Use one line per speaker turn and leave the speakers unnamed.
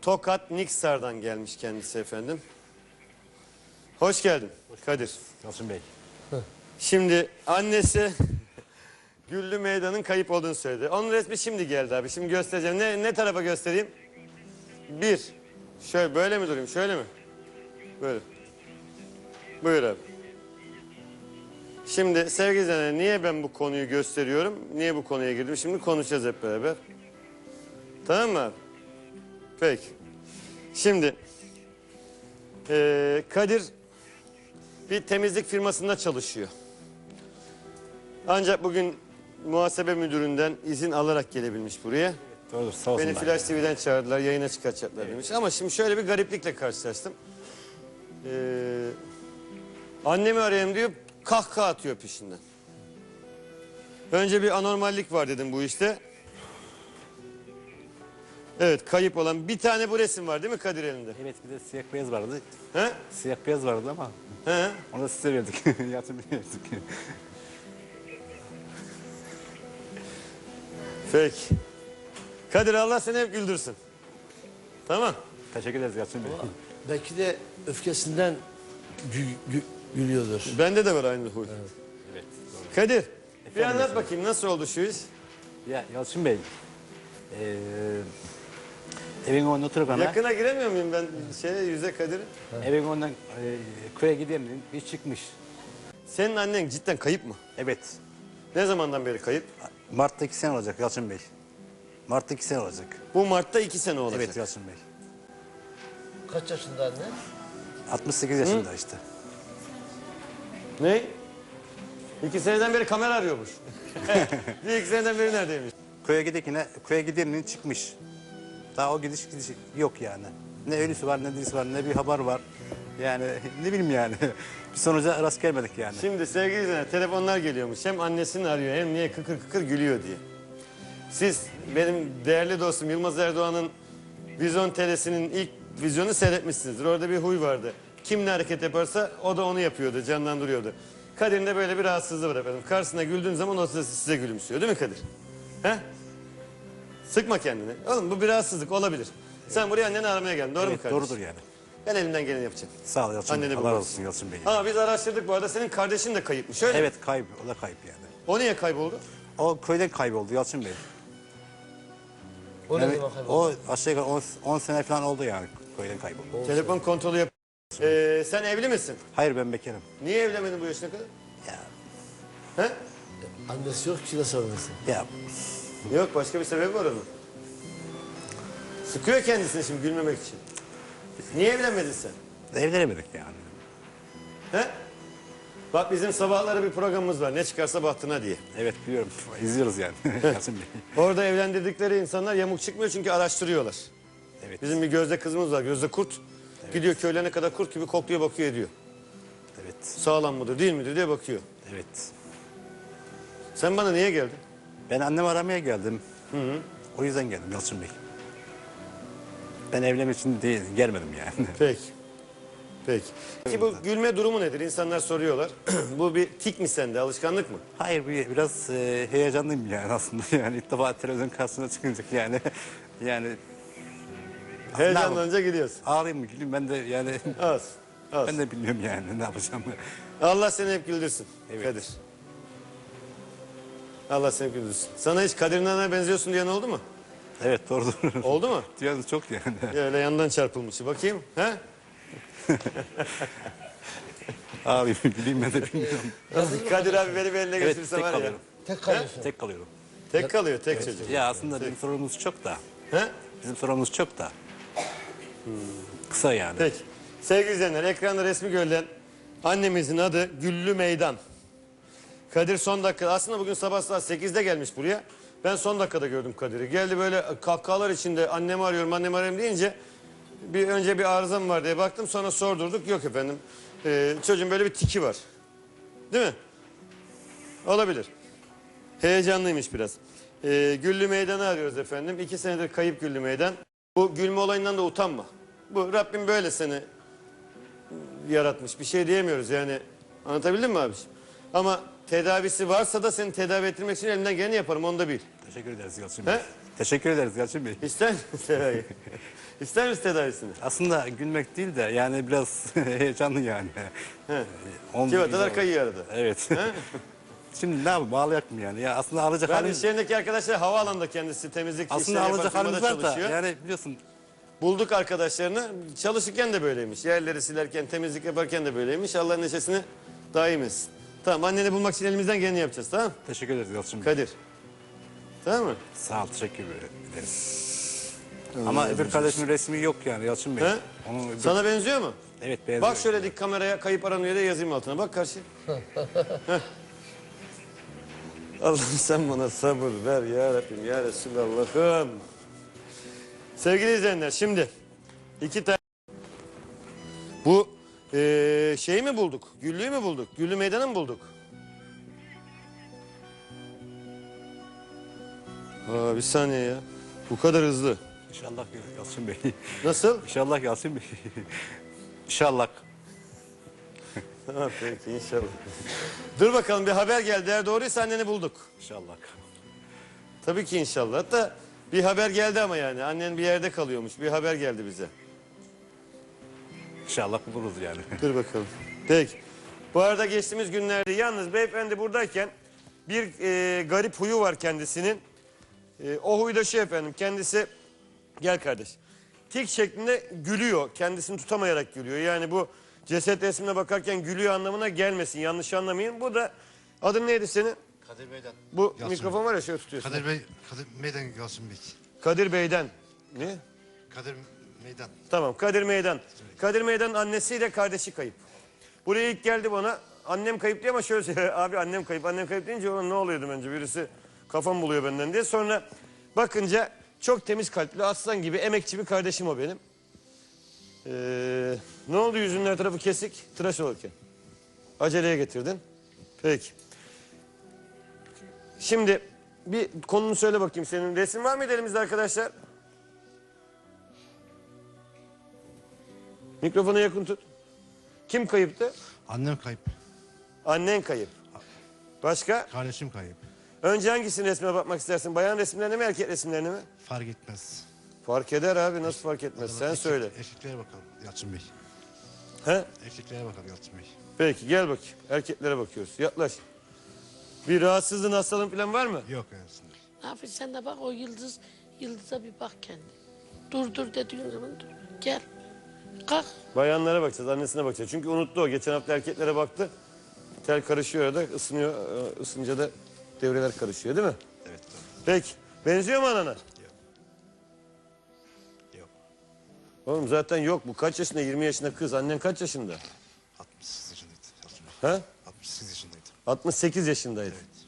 Tokat Niksar'dan gelmiş kendisi efendim. Hoş geldin Kadir.
Yalçın Bey.
Şimdi annesi Güllü Meydan'ın kayıp olduğunu söyledi. Onun resmi şimdi geldi abi. Şimdi göstereceğim. Ne tarafa göstereyim? Bir. Şöyle böyle mi durayım? Şöyle mi? Böyle. Buyur abi. Şimdi sevgili izleyenler, niye ben bu konuyu gösteriyorum? Niye bu konuya girdim? Şimdi konuşacağız hep beraber. Tamam mı abi? Peki. Şimdi Kadir bir temizlik firmasında çalışıyor. Ancak bugün muhasebe müdüründen izin alarak gelebilmiş buraya.
Doğrudur, sağ olsunlar.
Beni Flash TV'den çağırdılar, yayına çıkartacaklar demiş. Ama şimdi şöyle bir gariplikle karşılaştım. Annemi arayayım diyor, kahkaha atıyor peşinden. Önce bir anormallik var dedim bu işte. Evet, kayıp olan bir tane bu resim var değil mi Kadir elinde?
Evet, bir de siyah beyaz vardı.
He?
Siyah beyaz vardı ama
He?
onu da size verdik. Yalçın Bey'e verdik.
Peki. Kadir Allah seni hep güldürsün. Tamam.
Teşekkür ederiz Yalçın Bey.
Belki de öfkesinden gülüyordur.
Bende de var aynı huy.
Evet, doğru.
Kadir, bir
Efendim
anlat
efendim.
bakayım nasıl oldu şu iş?
Ya Yalçın Bey, evin önünden oturup
Yakına giremiyor muyum ben yüze Kadir'e?
evin önünden köye gidelim bir çıkmış.
Senin annen cidden kayıp mı?
Evet,
Ne zamandan beri kayıp?
Mart'ta 2 sene olacak Yalçın Bey. Mart'ta 2 sene olacak.
Bu Mart'ta 2 sene olacak.
Evet Yalçın Bey.
Kaç yaşında anne?
68 yaşında işte.
Ne? 2 seneden beri kamera arıyormuş. Bir 2 seneden beri neredeymiş?
Köye gidenin çıkmış. Daha o gidiş yok yani. Ne ölüsü var, ne dirisi var, ne bir haber var. Yani ne bileyim yani. Bir sonuca rast gelmedik yani.
Şimdi sevgili izleyenler, telefonlar geliyormuş. Hem annesini arıyor hem niye kıkır kıkır gülüyor diye. Siz benim değerli dostum Yılmaz Erdoğan'ın Vizyon TR'sinin ilk vizyonu seyretmişsinizdir. Orada bir huy vardı. Kim ne hareket yaparsa o da onu yapıyordu, canlandırıyordu. Kadir'in de böyle bir rahatsızlığı var efendim. Karşısına güldüğün zaman o size gülümsüyor değil mi Kadir? He? Sıkma kendini. Oğlum bu bir rahatsızlık olabilir. Sen buraya anneni aramaya geldin, doğru mu
Evet,
kardeşim?
doğrudur yani.
Ben elimden geleni yapacağım.
Sağ ol Yalçın Bey.
Anneni
Allah
bulursun.
razı olsun Yalçın Bey.
Ama biz araştırdık bu arada, senin kardeşin de kayıpmış öyle mi?
Evet kayıp, o da kayıp yani.
O niye kayboldu?
O köyden kayboldu Yalçın Bey.
O ne
Yani
zaman kayboldu?
o aşağı yukarı 10 sene falan oldu yani köyden kayboldu.
Telefon kontrolü yap. Sen evli misin?
Hayır ben bekarım.
Niye evlenmedin bu yaşına kadar?
Ya,
He?
Annesi yok ki nasıl annesi?
ya
Yok, başka bir sebebi var onun. Sıkıyor kendisini şimdi gülmemek için. Niye evlenmedin sen?
evlenemedik yani.
He? Bak bizim sabahları bir programımız var. Ne çıkarsa bahtına diye.
Evet biliyorum. İzliyoruz yani Yalçın Bey.
Orada evlendirdikleri insanlar yamuk çıkmıyor çünkü araştırıyorlar.
Evet.
Bizim bir Gözde kızımız var. Gözde Kurt. Gidiyor köylerine kadar kurt gibi kokluyor, bakıyor ediyor.
Evet.
Sağlam mıdır değil midir diye bakıyor.
Evet.
Sen bana niye geldin?
Ben annemi aramaya geldim. O yüzden geldim Yalçın Bey. Ben evlenmek için değil, gelmedim yani.
Peki. Peki. Peki bu gülme durumu nedir? İnsanlar soruyorlar. Bu bir tik mi sende? Alışkanlık mı?
Hayır biraz heyecanlıyım yani aslında yani ilk defa televizyon karşısına çıkınca yani yani
Heyecanlanınca gidiyorsun.
ağlayayım mı güleyim ben de yani
Az. Az.
ben de bilmiyorum yani ne yapacağım.
Allah seni hep güldürsün.
Evet.
Kadir. Allah seni hep güldürsün. Sana hiç Kadir Nana'ya benziyorsun diyen oldu mu?
Evet doğrudur.
Oldu mu?
Diyorsunuz çok yani.
Ya öyle yandan çarpılmış. Bakayım. He?
Ağlayayım güleyim ben de bilmiyorum.
Kadir abi beni bir eline
Evet
götürse
tek
var ya.
kalıyorum.
Tek kalıyorsun.
Tek kalıyorum.
Tek kalıyor, tek çocuk.
Ya aslında bizim sorumuz çok da.
He?
Bizim sorumuz çok da. Kısa yani.
Peki. Sevgili izleyenler, ekranda resmi görülen annemizin adı Güllü Meydan. Kadir son dakika, aslında bugün sabah saat 8'de gelmiş buraya. Ben son dakikada gördüm Kadir'i. Geldi böyle kahkahalar içinde annemi arıyorum deyince önce bir arızam var diye baktım, sonra sordurduk. Yok efendim, çocuğun böyle bir tiki var. Değil mi? Olabilir. Heyecanlıymış biraz. Güllü Meydan'ı arıyoruz efendim. 2 senedir kayıp Güllü Meydan. Bu gülme olayından da utanma. Bu Rabbim böyle seni yaratmış. Bir şey diyemiyoruz yani. Anlatabildim mi abiciğim? Ama tedavisi varsa da seni tedavi ettirmek için elimden geleni yaparım, onu da bil.
Teşekkür ederiz Yalçın Bey.
He?
Teşekkür ederiz Yalçın Bey.
İster misin? İster misin tedavisini?
Aslında gülmek değil de yani biraz heyecanlı yani. Omuz
Civatalar
güzel.
kayıyor arada.
Evet. Şimdi ne yapayım ağlayak mı yani? Ya aslında ağlayacak
Ben
halimiz,
iş yerindeki arkadaşlar havaalanında kendisi temizlik
aslında
işleri yapan
ağlayacak
firmada
halimiz var da
çalışıyor.
yani biliyorsun
Bulduk arkadaşlarını. Çalışırken de böyleymiş. Yerleri silerken, temizlik yaparken de böyleymiş. Allah'ın neşesini daim etsin. Tamam, anneni bulmak için elimizden geleni yapacağız, tamam?
teşekkür ederiz Yalçın Bey.
Kadir. Tamam mı?
Sağ ol teşekkür ederiz. Ama öbür kardeşimin resmi yok yani Yalçın Bey.
He?
Onun öbür-
Sana benziyor mu?
Evet benziyor.
Bak şöyle dik kameraya, kayıp aranıyor da yazayım altına. Bak karşı. Heh. Allah'ım sen bana sabır ver ya Rabbim ya Resulallah'ım. Sevgili izleyenler, şimdi 2 tane bu şeyi mi bulduk? Güllü'yü mü bulduk? Güllü meydanı mı bulduk? Bir saniye ya. Bu kadar hızlı.
İnşallah Yalçın Bey.
Nasıl?
İnşallah Yalçın Bey. İnşallah.
Ha, peki inşallah. Dur bakalım, bir haber geldi. Eğer doğruysa anneni bulduk.
İnşallah.
Tabii ki inşallah. Hatta bir haber geldi ama yani. Annen bir yerde kalıyormuş. Bir haber geldi bize.
İnşallah buluruz yani.
Dur bakalım. Peki. Bu arada geçtiğimiz günlerde yalnız beyefendi buradayken bir garip huyu var kendisinin. O huy da şu efendim. Kendisi, gel kardeş. Tik şeklinde gülüyor. Kendisini tutamayarak gülüyor. Yani bu ceset resmine bakarken gülüyor anlamına gelmesin. Yanlış anlamayın. Bu da, adın neydi senin?
Kadir Bey'den.
Bu
Yalçın
mikrofon var ya, şöyle tutuyorsun.
Kadir Bey, Kadir Meydan Yalçın Bey.
Kadir Bey'den. Ne?
Kadir Meydan.
Tamam, Kadir Meydan. Kadir Meydan'ın annesiyle kardeşi kayıp. Buraya ilk geldi bana, annem kayıp diye, ama şöyle söylüyor. Abi annem kayıp, annem kayıp deyince ona ne oluyordum önce, birisi kafam buluyor benden diye. Sonra bakınca çok temiz kalpli, aslan gibi, emekçi bir kardeşim o benim. Ne oldu, yüzünün her tarafı kesik, tıraş olurken? Aceleye getirdin. Peki. Şimdi bir konunu söyle bakayım senin. Resim var mıydı elimizde arkadaşlar? Mikrofona yakın tut. Kim kayıptı?
Annem kayıp.
Annen kayıp. Başka?
Kardeşim kayıp.
Önce hangisinin resmine bakmak istersin? Bayan resimlerine mi, erkek resimlerine mi?
Fark etmez.
Fark eder abi, nasıl fark etmez? Sen söyle.
Erkeklere bakalım Yalçın Bey.
He?
Erkeklere bakalım Yalçın Bey.
Peki gel bakayım. Erkeklere bakıyoruz. Yaklaş. Bir rahatsızlığın, hastalığın falan var mı?
Yok Yalçın Bey.
Ne yapıyorsun sen de bak o yıldıza bir bak kendi. Dur dediğin zaman dur. Gel. Kalk.
Bayanlara bakacağız, annesine bakacağız. Çünkü unuttu o. Geçen hafta erkeklere baktı. Tel karışıyor arada, ısınıyor. Isınca da devreler karışıyor değil mi?
Evet doğru.
Peki. Benziyor mu anana?
Yok.
Oğlum zaten yok. Bu kaç yaşında? 20 yaşında kız. Annen kaç yaşında?
68 yaşındaydı Yalçın Bey.
Ha?
68 yaşındaydı.
68 yaşındaydı.
Evet.